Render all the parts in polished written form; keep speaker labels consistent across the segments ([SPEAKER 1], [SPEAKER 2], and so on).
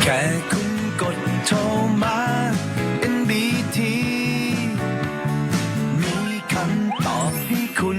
[SPEAKER 1] ค่คุณกดโทรมา NBT มีคำตอบให้คุณ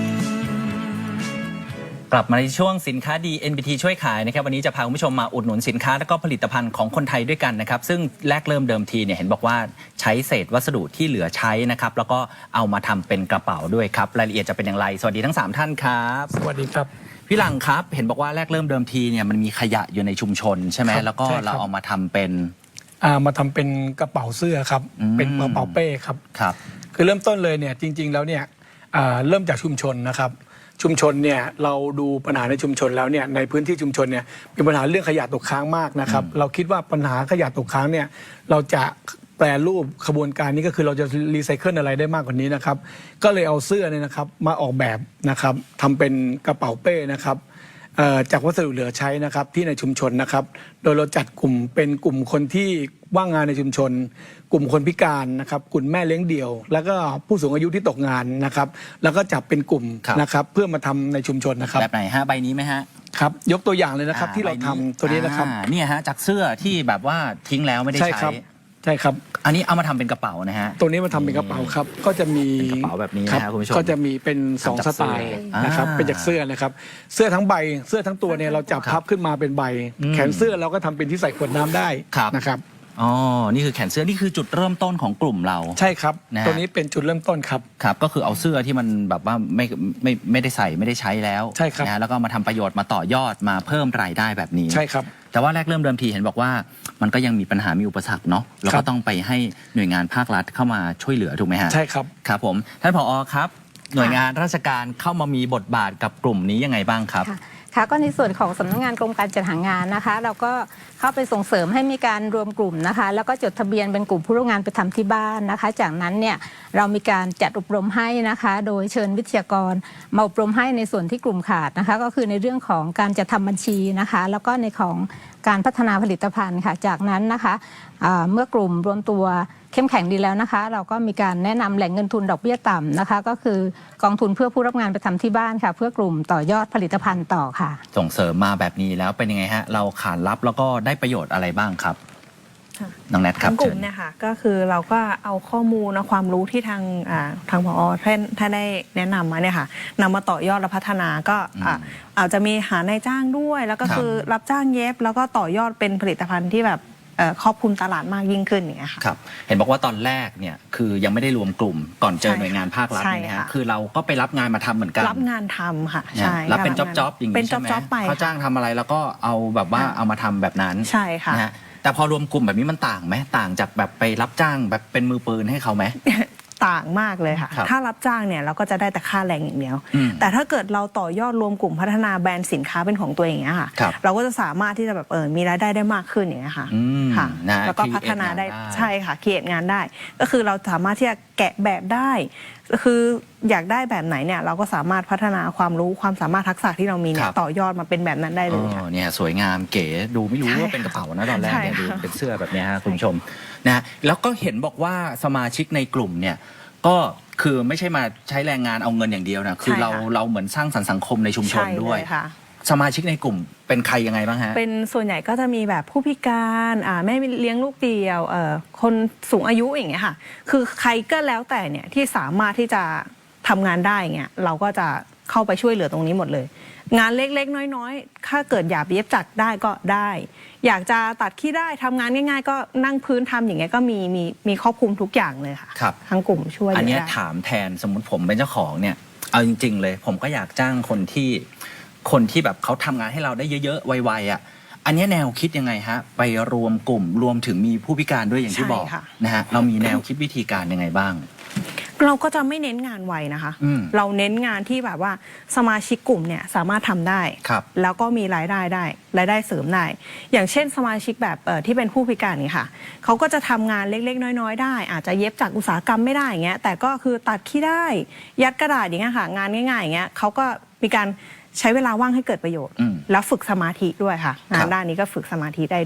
[SPEAKER 2] กลับมาในช่วงสินค้าดี NBT ช่วยขายนะครับวันนี้จะพาคุณผู้ชมมาอุดหนุนสินค้าและก็ผลิตภัณฑ์ของคนไทยด้วยกันนะครับซึ่งแรกเริ่มเดิมทีเนี่ยเห็นบอกว่าใช้เศษวัสดุที่เหลือใช้นะครับแล้วก็เอามาทำเป็นกระเป๋าด้วยครับรายละเอียดจะเป็นอย่างไรสวัสดีทั้ง3ท่านครับ
[SPEAKER 3] สวัสดีครับ
[SPEAKER 2] พี่หลังครับเห็นบอกว่าแรกเริ่มเดิมทีเนี่ยมันมีขยะอยู่ในชุมชนใช่ไหมแล้วก็เราเอามาทำเป็น
[SPEAKER 3] มาทำเป็นกระเป๋าเสื้อครับเป็นกระเป๋าเป้ครับคือเริ่มต้นเลยเนี่ยจริงๆแล้วเนี่ยเริ่มจากชุมชนนะครับชุมชนเนี่ยเราดูปัญหาในชุมชนแล้วเนี่ยในพื้นที่ชุมชนเนี่ยมีปัญหาเรื่องขยะตกค้างมากนะครับเราคิดว่าปัญหาขยะตกค้างเนี่ยเราจะแปรรูปขบวนการนี้ก็คือเราจะรีไซเคิลอะไรได้มากกว่านี้นะครับก็เลยเอาเสื้อเนี่ยนะครับมาออกแบบนะครับทำเป็นกระเป๋าเป้นะครับจากวัสดุเหลือใช้นะครับที่ในชุมชนนะครับโดยเราจัดกลุ่มเป็นกลุ่มคนที่ว่างงานในชุมชนกลุ่มคนพิการนะครับกลุ่มแม่เลี้ยงเดี่ยวแล้วก็ผู้สูงอายุที่ตกงานนะครับแล้วก็จับเป็นกลุ่มนะครับเพื่อมาทำในชุมชนนะครับ
[SPEAKER 2] แบบไหนฮะใบนี้ไหมฮะ
[SPEAKER 3] ครับยกตัวอย่างเลยนะครับที่เราทำตัวนี้นะครับ
[SPEAKER 2] เนี่ยฮะจากเสื้อที่แบบว่าทิ้งแล้วไม่ได้ใช้
[SPEAKER 3] ใช่ครับ
[SPEAKER 2] อันนี้เอามาทำเป็นกระเป๋านะฮะ
[SPEAKER 3] ตัวนี้มาทำเป็นกระเป๋าครับก็จะมี
[SPEAKER 2] กระเป๋าแบบนี้นะคุณผู้ชม
[SPEAKER 3] ก็จะมีเป็น2สไตล์นะครับเป็นจากเสื้อนะครับเสื้อทั้งใบเสื้อทั้งตัวเนี่ยเราจับพับขึ้นมาเป็นใบแขนเสื้อเราก็ทำเป็นที่ใส่ขวดน้ำได้นะครับ
[SPEAKER 2] อ๋อนี่คือแขนเสื้อนี่คือจุดเริ่มต้นของกลุ่มเรา
[SPEAKER 3] ใช่ครับตัวนี้เป็นจุดเริ่มต้นครับ
[SPEAKER 2] ครับก็คือเอาเสื้อที่มันแบบว่าไม่ได้ใส่ไม่ได้ใช้แล้ว
[SPEAKER 3] ใช่ครับ
[SPEAKER 2] นะแล้วก็มาทำประโยชน์มาต่อยอดมาเพิ่มรายได้แบบนี้
[SPEAKER 3] ใช่ครับ
[SPEAKER 2] แต่ว่าแรกเริ่มเดิมทีเห็นบอกว่ามันก็ยังมีปัญหามีอุปสรรคเนาะแล้วก็ต้องไปให้หน่วยงานภาครัฐเข้ามาช่วยเหลือถูกไหมฮะ
[SPEAKER 3] ใช่ครับ
[SPEAKER 2] ครับผมท่านผอ.ครับหน่วยงานราชการเข้ามามีบทบาทกับกลุ่มนี้ยังไงบ้างครับ
[SPEAKER 4] ค่ะก็ในส่วนของสำนักงานกรมการจัดหางานนะคะเราก็เข้าไปส่งเสริมให้มีการรวมกลุ่มนะคะแล้วก็จดทะเบียนเป็นกลุ่มผู้ร่วมงานไปทำที่บ้านนะคะจากนั้นเนี่ยเรามีการจัดอบรมให้นะคะโดยเชิญวิทยากรมาอบรมให้ในส่วนที่กลุ่มขาดนะคะก็คือในเรื่องของการจัดทำบัญชีนะคะแล้วก็ในของการพัฒนาผลิตภัณฑ์ค่ะจากนั้นนะคะเมื่อกลุ่มรวมตัวเข้มแข็งดีแล้วนะคะเราก็มีการแนะนำแหล่งเงินทุนดอกเบี้ยต่ำนะคะก็คือกองทุนเพื่อผู้รับงานไปทำที่บ้านค่ะเพื่อกลุ่มต่อยอดผลิตภัณฑ์ต่อค่ะ
[SPEAKER 2] ส่งเสริมมาแบบนี้แล้วเป็นยังไงฮะเราขานรับแล้วก็ได้ประโยชน์อะไรบ้างครับน้องแนทครับ
[SPEAKER 5] กลุ่มเนี่ยค่ะก็คือเราก็เอาข้อมูลความรู้ที่ทางผอ.ท่านได้แนะนำมาเนี่ยค่ะนำมาต่อยอดและพัฒนาก็อาจจะมีหานายจ้างด้วยแล้วก็คือรับจ้างเย็บแล้วก็ต่อยอดเป็นผลิตภัณฑ์ที่แบบครอบคลุมตลาดมากยิ่งขึ้นอย่างเงี้ยค่ะ
[SPEAKER 2] ครับเห็นบอกว่าตอนแรกเนี่ยคือยังไม่ได้รวมกลุ่มก่อนเจอหน่วยงานภาครัฐนะฮะคือเราก็ไปรับงานมาทำเหมือนกัน
[SPEAKER 5] รับงานทำค่ะใช่
[SPEAKER 2] รับเป็นจ็อบอย่างนี้ใช่ไหมเขาจ้างทำอะไรแล้วก็เอาแบบว่าเอามาทำแบบนั้น
[SPEAKER 5] ใช่ค่ะ
[SPEAKER 2] แต่พอรวมกลุ่มแบบนี้มันต่างไหมต่างจากแบบไปรับจ้างแบบเป็นมือปืนให้เขาไหม
[SPEAKER 5] ต่างมากเลยค่ะถ้ารับจ้างเนี่ยเราก็จะได้แต่ค่าแรงอย่างเดียวแต่ถ้าเกิดเราต่อยอดรวมกลุ่มพัฒนาแบรนด์สินค้าเป็นของตัวเองเนี่ยค่ะเราก็จะสามารถที่จะแบบมีรายได้ได้มากขึ้นอย่างเงี้ยค่ะแล้วก็พัฒนาได้ใช่ค่ะเขียนงานได้ก็คือเราสามารถที่จะแกะแบบได้คืออยากได้แบบไหนเนี่ยเราก็สามารถพัฒนาความรู้ความสามารถทักษะที่เรามีเนี่ยต่อยอดมาเป็นแบบนั้นได้เลยค่ะ
[SPEAKER 2] เนี่ยสวยงามเก๋ดูไม่รู้ว่าเป็นกระเป๋านะตอนแรกเนี่ยดูเป็นเสื้อแบบนี้ฮะคุณผู้ชมนะแล้วก็เห็นบอกว่าสมาชิกในกลุ่มเนี่ยก็คือไม่ใช่มาใช้แรงงานเอาเงินอย่างเดียวนะคือเราเหมือนสร้างสรรค์สังคมในชุมชนด้วยสมาชิกในกลุ่มเป็นใครยังไงบ้างฮะ
[SPEAKER 5] เป็นส่วนใหญ่ก็จะมีแบบผู้พิการแม่เลี้ยงลูกเดียวคนสูงอายุอย่างเงี้ยค่ะคือใครก็แล้วแต่เนี่ยที่สามารถที่จะทำงานได้เงี้ยเราก็จะเข้าไปช่วยเหลือตรงนี้หมดเลยงานเล็กๆน้อยๆถ้าเกิดอยากเย็บจักรได้ก็ได้อยากจะตัดขี้ได้ทำงานง่ายๆก็นั่งพื้นทำอย่างเงี้ยก็มีครอบคลุมทุกอย่างเลยค่ะทั้งกลุ่มช่วย
[SPEAKER 2] อันนี้ถามแทนสมมติผมเป็นเจ้าของเนี่ยเอาจริงๆเลยผมก็อยากจ้างคนที่แบบเขาทำงานให้เราได้เยอะๆไวๆอ่ะอันนี้แนวคิดยังไงฮะไปรวมกลุ่มรวมถึงมีผู้พิการด้วยอย่างที่บอกนะฮะเรามีแนวคิดวิธีการยังไงบ้าง
[SPEAKER 5] เราก็จะไม่เน้นงานไวนะคะเราเน้นงานที่แบบว่าสมาชิกกลุ่มเนี่ยสามารถทำได้แล้วก็มีรายได้เสริมได้อย่างเช่นสมาชิกแบบที่เป็นผู้พิการนี่ค่ะเขาก็จะทำงานเล็กๆน้อยๆได้อาจจะเย็บจากอุตสาหกรรมไม่ได้อย่างเงี้ยแต่ก็คือตัดขี้ได้ยัดกระดาษอย่างเงี้ยค่ะงานง่ายๆอย่างเงี้ยเขาก็มีการใช้เวลาว่างให้เกิดประโยชน์แล้วฝึกสมาธิด้วยค่ะงานด้านนี้ก็ฝึกสมาธิได้ด้วย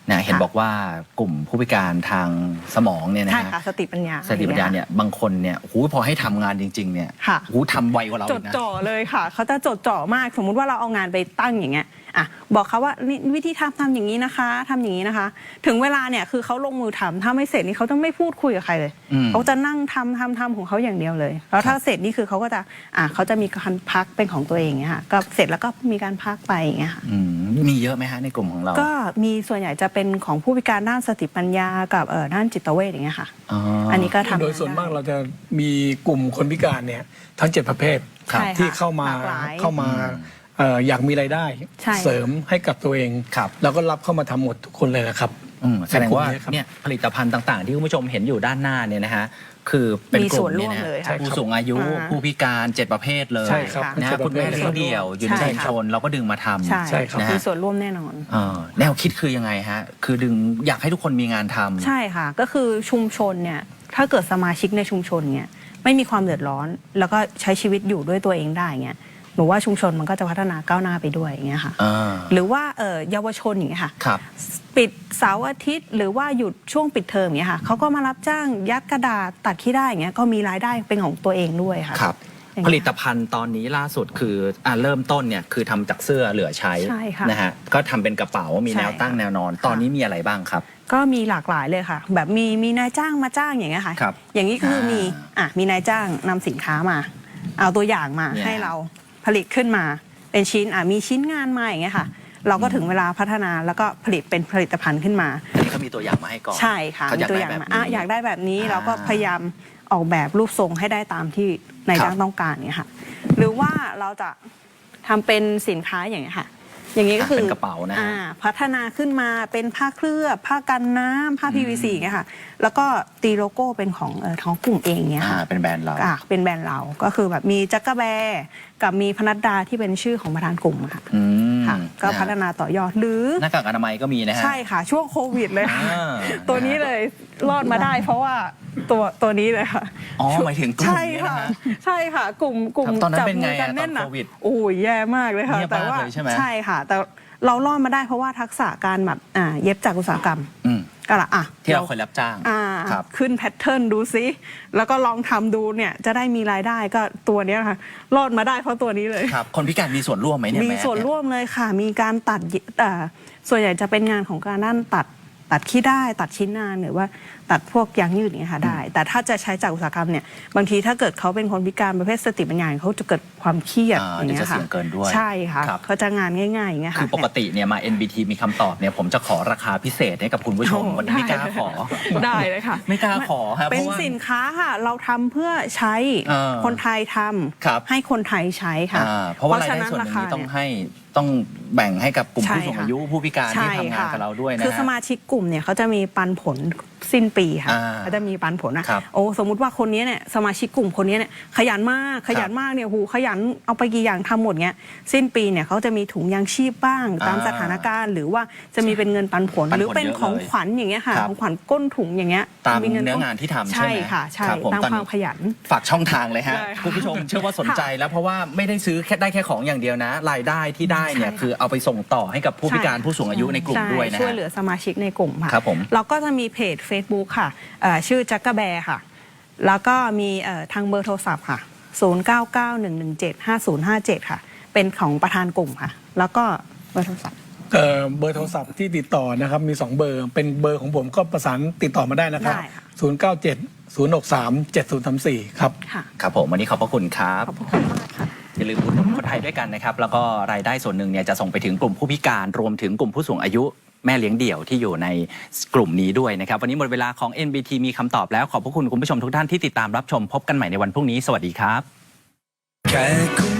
[SPEAKER 2] นะเห็นบอกว่ากลุ่มผู้พิการทางสมองเนี่ยนะ
[SPEAKER 5] ใช่ค่ะสติปัญญา
[SPEAKER 2] สติปัญญาเนี่ยบางคนเนี่ยพอให้ทำงานจริงๆเนี่ยทำไวกว่าเรา
[SPEAKER 5] จดจ่อเลยค่ะเขาจะจดจ่อมากสมมุติว่าเราเอางานไปตั้งอย่างเงี้ยบอกเขาว่านี่วิธีทำอย่างนี้นะคะทำอย่างนี้นะคะถึงเวลาเนี่ยคือเขาลงมือทำถ้าไม่เสร็จนี่เขาจะไม่พูดคุยกับใครเลยเขาจะนั่งทำของเขาอย่างเดียวเลยแล้วถ้าเสร็จนี่คือเขาก็จะเขาจะมีการพักเป็นของตัวเองเงี้ยค่ะก็เสร็จแล้วก็มีการพักไปอย่างเงี้ยค่ะ
[SPEAKER 2] มีเยอะไหมฮะในกลุ่มของเรา
[SPEAKER 5] ก็มีส่วนใหญ่จะเป็นของผู้พิการด้านสติปัญญากับด้านจิตเวชอย่างเงี้ยค่ะอันนี้ก็ทำ
[SPEAKER 3] โดยส่วนมากเราจะมีกลุ่มคนพิการเนี่ยทั้ง7ประเภทที่เข้ามาอยากมีรายได้เสริมให้กับตัวเองแล้วก็รับเข้ามาทำหมดทุกคนเลยนะครับ
[SPEAKER 2] แสดงว่าเนี่ยผลิตภัณฑ์ต่างๆที่คุณผู้ชมเห็นอยู่ด้านหน้าเนี่ยนะฮะคือเป็นกลุ่มเนี่ยนะผู้สูงอายุผู้พิการ7ประเภทเลยนะคุณแม่เลี้ยงเดี่ยวอยู่ในชุมชนเราก็ดึงมาทำ
[SPEAKER 5] ใช่ครับมีส่วนร่วมแน่นอน
[SPEAKER 2] แนวคิดคือยังไงฮะคือดึงอยากให้ทุกคนมีงานทำ
[SPEAKER 5] ใช่ค่ะก็คือชุมชนเนี่ยถ้าเกิดสมาชิกในชุมชนเนี่ยไม่มีความเดือดร้อนแล้วก็ใช้ชีวิตอยู่ด้วยตัวเองได้เงี้ยหนูว่าชุมชนมันก็จะพัฒนาก้าวหน้าไปด้วยอย่างเงี้ยค่ะหรือว่าเยาวชนอย่างเงี้ยค่ะปิดเสาร์อาทิตย์หรือว่าหยุดช่วงปิดเทอมอย่างเงี้ยค่ะเขาก็มารับจ้างยัดกระดาษตัดขี้ได้อย่างเงี้ยก็มีรายได้เป็นของตัวเองด้วยค่ะ
[SPEAKER 2] ผลิตภัณฑ์ตอนนี้ล่าสุดคือเริ่มต้นเนี่ยคือทำจากเสื้อเหลือใช้นะฮะก็ทำเป็นกระเป๋ามีแนวตั้งแนวนอนตอนนี้มีอะไรบ้างครับ
[SPEAKER 5] ก็มีหลากหลายเลยค่ะแบบมีนายจ้างมาจ้างอย่างเงี้ยค่ะอย่างนี้คือมีนายจ้างนำสินค้ามาเอาตัวอย่างมาให้เราผลิตขึ้นมาเป็นชิ้นมีชิ้นงานมาอย่างเงี้ยค่ะเราก็ถึงเวลาพัฒนาแล้วก็ผลิตเป็นผลิตภัณฑ์ขึ้นมา
[SPEAKER 2] อันนี้เขามีตัวอย่างมาให้ก่อน
[SPEAKER 5] ใช่ค่ะมีตัวอย่างมาอยากได้แบบนี้เราก็พยายามออกแบบรูปทรงให้ได้ตามที่นายจ้างต้องการเนี่ยค่ะหรือว่าเราจะทำเป็นสินค้าอย่างเงี้ยค่ะอย่างนี้ก็คือ
[SPEAKER 2] เป็นกระเป๋านะ
[SPEAKER 5] พัฒนาขึ้นมาเป็นผ้าเคลือบผ้ากันน้ำผ้า PVC อย่างเงี้ยค่ะแล้วก็ตีโลโก้เป็นของกลุ่มเองเงี้ยค่ะ
[SPEAKER 2] เป็นแบรนด์เรา
[SPEAKER 5] เป็นแบรนด์เราก็คือแบบมีจักรแบร์กับมีพนัดดาที่เป็นชื่อของประธานกลุ่มค่ะก็พัฒนาต่อยอดหรือ
[SPEAKER 2] หน้ากากอนามัยก็มีนะฮะ
[SPEAKER 5] ใช่ค่ะช่วงโควิดเลยตัวนี้เลยรอดมาได้เพราะว่าตัวนี้เลยค่ะ
[SPEAKER 2] หมายถึงกลุ่มนี้นะฮะ
[SPEAKER 5] ใช่ค่ะกลุ่ม
[SPEAKER 2] จับมือกัน
[SPEAKER 5] แน่น
[SPEAKER 2] นะ
[SPEAKER 5] โอ้ยแย่มากเลยค่ะแต่ว่าใช่ค่ะแต่เรารอดมาได้เพราะว่าทักษะการแบบเย็บจากอุตสาหกรรมก็ละ
[SPEAKER 2] ที่เราเคยรับจ้าง
[SPEAKER 5] ขึ้นแพทเทิร์นดูซิแล้วก็ลองทำดูเนี่ยจะได้มีรายได้ก็ตัวนี้ค่ะรอดมาได้เพราะตัวนี้เลย
[SPEAKER 2] ครับคนพิการมีส่วนร่วมไหมเนี่ย
[SPEAKER 5] มีส่วนร่วมเลยค่ะมีการตัดส่วนใหญ่จะเป็นงานของการด้านตัดขี้ได้ตัดชิ้นงานหรือว่าตัดพวกยางยืดอย่างเงี้ยค่ะได้แต่ถ้าจะใช้จากอุตสาหกรรมเนี่ยบางทีถ้าเกิดเขาเป็นคนพิการประเภทสติปัญญาเขาจะเกิดความเครียดอย่างเงี้ยค่ะใช่ค่ะเขาจะงานง่ายๆอย่างเงี้ยค่ะ
[SPEAKER 2] คือปกติเนี่ยมา NBT มีคำตอบเนี่ยผมจะขอราคาพิเศษให้กับคุณผู้ชมวันนี้ไม่กล้าขอ
[SPEAKER 5] ได้เลยค่ะ
[SPEAKER 2] ไม่กล้าขอครับ
[SPEAKER 5] เป็นสินค้าค่ะเราทำเพื่อใช้คนไทยทำให้คนไทยใช้ค่ะ
[SPEAKER 2] เพราะว่ารายได้ส่วนหนึ่งนี้ต้องแบ่งให้กับกลุ่มผู้สูงอายุผู้พิการที่ทำงานกับเราด้วยนะ
[SPEAKER 5] คือสมาชิกกลุ่มเนี่ยเขาจะมีปันผลสิ้นปีค่ะเขาจะมีปันผลนะสมมุติว่าคนนี้เนี่ยสมาชิกกลุ่มคนนี้เนี่ยขยันมากเนี่ยขยันเอาไปกี่อย่างทำหมดเงี้ยสิ้นปีเนี่ยเขาจะมีถุงยางชีพบ้างตามสถานการณ์หรือว่าจะมีเป็นเงินปันผลหรือเป็นของขวัญอย่างเงี้ยค่ะของขวัญก้นถุงอย่างเงี้ย
[SPEAKER 2] ตามเนื้องานที่ทำใช่ไหม
[SPEAKER 5] ค่ะใช่ตามความขยัน
[SPEAKER 2] ฝากช่องทางเลยฮะคุณผู้ชมเชื่อว่าสนใจแล้วเพราะว่าไม่ได้ซื้อได้แค่ของอย่างเดียวนะรายได้ที่ได้เนี่ยคือเอาไปส่งต่อให้กับผู้พิการผู้สูงอายุในกลุ่มด้วยนะ
[SPEAKER 5] ช่วยเหลือสมาชิกในกลุ่มค่ะ
[SPEAKER 2] ครับผม
[SPEAKER 5] เราก็จะมีเพจ Facebook ค่ะชื่อจักรแบร์ค่ะแล้วก็มีทางเบอร์โทรศัพท์ค่ะ0991175057ค่ะเป็นของประธานกลุ่มค่ะแล้วก็เบอร์โทรศัพท์
[SPEAKER 3] เบอร์โทรศัพท์ที่ติดต่อนะครับมี2เบอร์เป็นเบอร์ของผมก็ประสานติดต่อมาได้นะครับ0970637034ครับ
[SPEAKER 2] ครับผมวันนี้ขอบพระคุณครับ
[SPEAKER 5] ขอบคุณมากค่ะ
[SPEAKER 2] อย่าลืมอุดหนุนคนไทยด้วยกันนะครับแล้วก็รายได้ส่วนหนึ่งเนี่ยจะส่งไปถึงกลุ่มผู้พิการรวมถึงกลุ่มผู้สูงอายุแม่เลี้ยงเดี่ยวที่อยู่ในกลุ่มนี้ด้วยนะครับวันนี้หมดเวลาของ NBT มีคำตอบแล้วขอบพระคุณคุณผู้ชมทุกท่านที่ติดตามรับชมพบกันใหม่ในวันพรุ่งนี้สวัสดีครับ